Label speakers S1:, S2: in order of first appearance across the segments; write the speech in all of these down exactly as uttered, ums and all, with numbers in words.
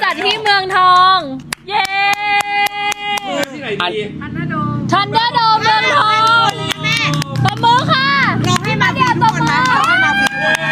S1: จัดที่เมืองทอง เย้ที่ไหนดีทันเดอร์โดมเมืองทองตบมือค่ะร้องให้มาเดียวตบมือให้มาฟรี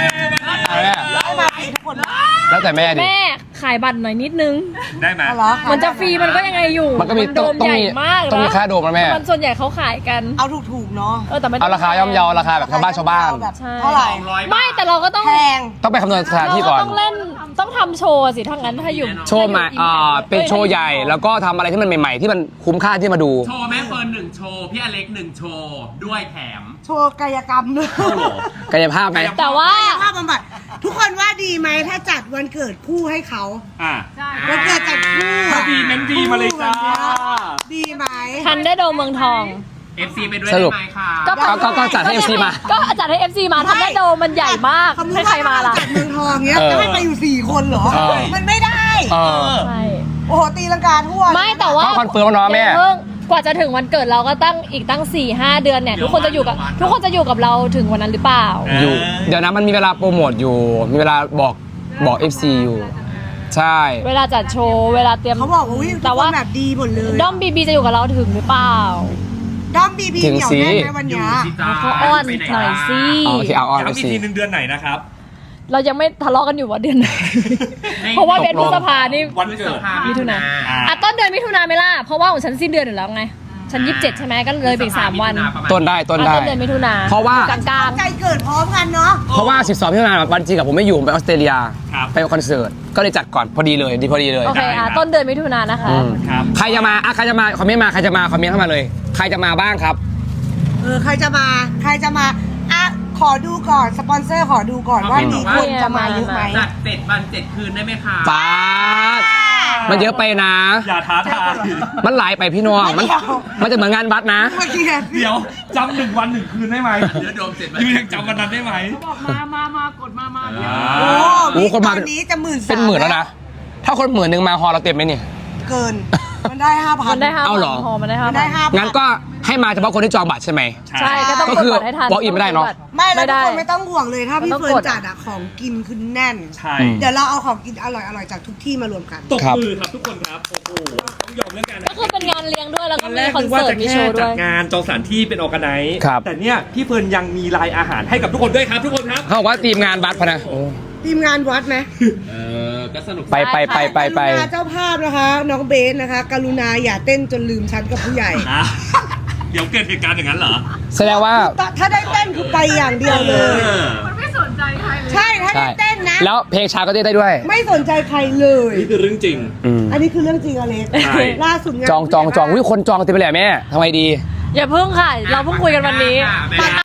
S1: ทุกคน
S2: แล้วแต่แม่ดิ
S1: แม่ขายบัตรหน่อยนิดนึง
S3: ได้ไหม
S1: มันจะฟรีมันก็ยังไงอยู่
S2: มันก็มี
S1: โดมใหญ่มาก
S2: ต้องมีค่าโดมนะแม่
S1: มันส่วนใหญ่เขาขายกัน
S4: เอาถูกๆเนาะ
S1: เออแต่ไม่
S2: เอาราคาย่อมเยาราคาแบบชาวบ้านชาวบ้าน
S4: เท่าไหร่
S1: ไม่แต่เราก็ต้อง
S4: แพง
S2: ต้องไปคำนวณสถานที่ก่อน
S1: ต้องเล่นต้องทำโชว์สิถ้างั้นถ้าอยู่
S2: โชว์ใหม่อ่าเป็นโชว์ใหญ่แล้วก็ทำอะไรที่มันใหม่ๆที่มันคุ้มค่าที่มาดู
S3: โชว์แม่เฟิร์นหนึ่งโชว์พี่อเล็กหนึ่งโชว์ด้วยแถม
S4: โชว์กายกรรมด้วย
S2: กายภาพไหม
S1: แต่ว่าก
S4: ายภาพบำบัดทุกคนว่าดีไหมถ้าจัดวันเกิดคู่ให้เขา
S3: อ่า
S4: วันเกิดจัดคู่
S3: ดีเมนดีมาเลยจ้า
S4: ดีไหม
S1: ทันได้โดมเมืองทอง
S3: เอฟ ซี ไปด้วยได้ไหมคะ
S2: ก็ก็จัดให้ เอฟ ซี มา
S1: ก็จัดให้ เอฟ ซี มาทันได้โดมมันใหญ่มากให้ใครมาล่ะ
S4: จัดเมืองทองเงี้ยจะให้ไปอยู่สี่คนเหรอมันไม่ได้
S1: ใช่
S4: โอ้โหตีลังกาทั่ว
S1: ไม่แต่ว่า
S2: คอนเฟิร์มน้องแม่
S1: กว่าจะถึงวันเกิดเราก็ตั้งอีกตั้ง สี่ห้า เดือนเนี่ยทุกคนจะอยู่กับทุกคนจะอยู่กับเราถึงวันนั้นหรือเปล่า
S2: อยู่เดี๋ยวนะมันมีเวลาโปรโมทอยู่มีเวลาบอกบอก เอฟ ซี อยู่ใช่
S1: เวลาจัดโชว์เวลาเตรียม
S4: เขาบอกว่าแต่ว่าแบบดีหมดเลย
S1: ด้อมบีบีจะอยู่กับเราถึงหรือเปล่า
S4: ด้อมบีบีเดี๋ยวแน่ในวันนี้
S1: เขาอ้อนหน่อยสิ
S2: โอเคเอาอ้อนไปสิ
S3: ทีหนึ่งเดือนไหนนะครับ
S1: เรายังไม่ทะเลาะกันอยู่ว่าเดือนไหนเพราะว่าเดือนพฤษภานี่
S3: วันเกิด
S1: มิถุนาอ่ะต้นเดือนมิถุนาไม่ล่ะเพราะว่าของฉันสิ้นเดือนอยู่แล้วไงฉันยี่สิบเจ็ดใช่ไหมก็เลยไปอีกสามวัน
S2: ต้นได้ต้นได้
S1: ต้นเดือนมิถุนา
S2: เพราะว่าก
S1: ลาง
S4: ๆใจเกิดพร้อมกันเนาะ
S2: เพราะว่าสิบสองมิถุนาวันจริงกับผมไม่อยู่ไปออสเตรเลียไปคอนเสิร์ตก็เลยจัดก่อนพอดีเลยดีพอดีเลย
S1: โอเคอ่ะต้นเดือนมิถุนานะคะ
S2: ใครจะมาอ่ะใครจะมาคอมเมนต์มาใครจะมาคอมเมนต์เข้ามาเลยใครจะมาบ้างครับ
S4: เออใครจะมาใครจะมาอ่ะขอดูก่อนสปอนเซอร์ขอดูก่อนว่ามีคนจะมาเยอะไหม
S3: จัดเจ็ดวันเจ็ดคืนได้ไหมคะ
S2: ป้ามันเยอะไปนะ
S3: อย่าท้าทาย
S2: มันหลายไปพี่น้องมันมันจะเหมือนงานวัดนะ
S3: เดี๋ยวจำหนึ่งวันหนึ่งคืนได้ไหมเดี๋ยวโดมเสร็จยูยังจำวันนั้นได้ไหม
S1: เขาบอกมามามากดมามา
S4: โอ้โหคนมานี้จะหมื่น
S2: เป็นหมื่นแล้วนะถ้าคนหมื่นหนึ่งมาฮอเราเต็มไหมเนี่ย
S4: เกินมันได้ห้าพัน
S1: มันได้ห้า
S2: เอาหรอ
S1: มันได้ห้าพัน
S2: งั้นก็ให้มาเฉพาะคนที่จองบัตรใช่ไหม
S1: ใช่ก็ต้องกดบัตรให้ทัน
S2: บอกอินไม่ได้เนาะ
S4: ไม่แล้วทุกคนไม่ต้องห่วงเลยถ้าพี่เฟิร์นจัดอะของกินคือแน่น
S3: ใช่
S4: เดี๋ยวเราเอาของกินอร่อยอร่อยจากทุกที่มารวมกัน
S3: ตบมือครับทุกคนครับโอ้โหต้องยอมเรื่องการ
S1: ก็คือเป็นงานเลี้ยงด้วยแล้วก็มีคอนเสิร์ตมีโชว์ด้วย
S3: จัดงานจองสถานที่เป็นออร์แกไนซ์แต่เนี่ยพี่เฟิร์นยังมีรายอาหารให้กับทุกคนด้วยครับทุกคนครับ
S2: เขาบอกว่าทีมงานบัตรพนะ
S4: ทีมงานวัดไหม
S3: เออก็สนุก
S2: ไปไปไปไปไป
S4: เจ้าภาพนะคะน้องเบสนะคะกรุณาอย่าเต้นจนลืมฉันกับผู้ใหญ่
S3: เดี๋ยวเกิดเหตุการณ์อย่างนั้นเหรอ
S2: แสดงว่า
S4: ถ้าได้เต้นคือไปอย่างเดียวเลย
S1: มันไม่สนใจใครเลย
S4: ใช่ถ้าได้เต้นนะ
S2: แล้วเพลงช้าก็เต้นได้ด้วย
S4: ไม่สนใจใครเลย
S3: นี่คือเรื่องจริง
S4: อันนี้คือเรื่องจริงอเล็กล่าสุด
S2: จองจองจองวิคนจองเต็มไปเลยแม่ทำไมดี
S1: อย่าเพิ่งค่ะเราเพิ่งคุยกันวันนี้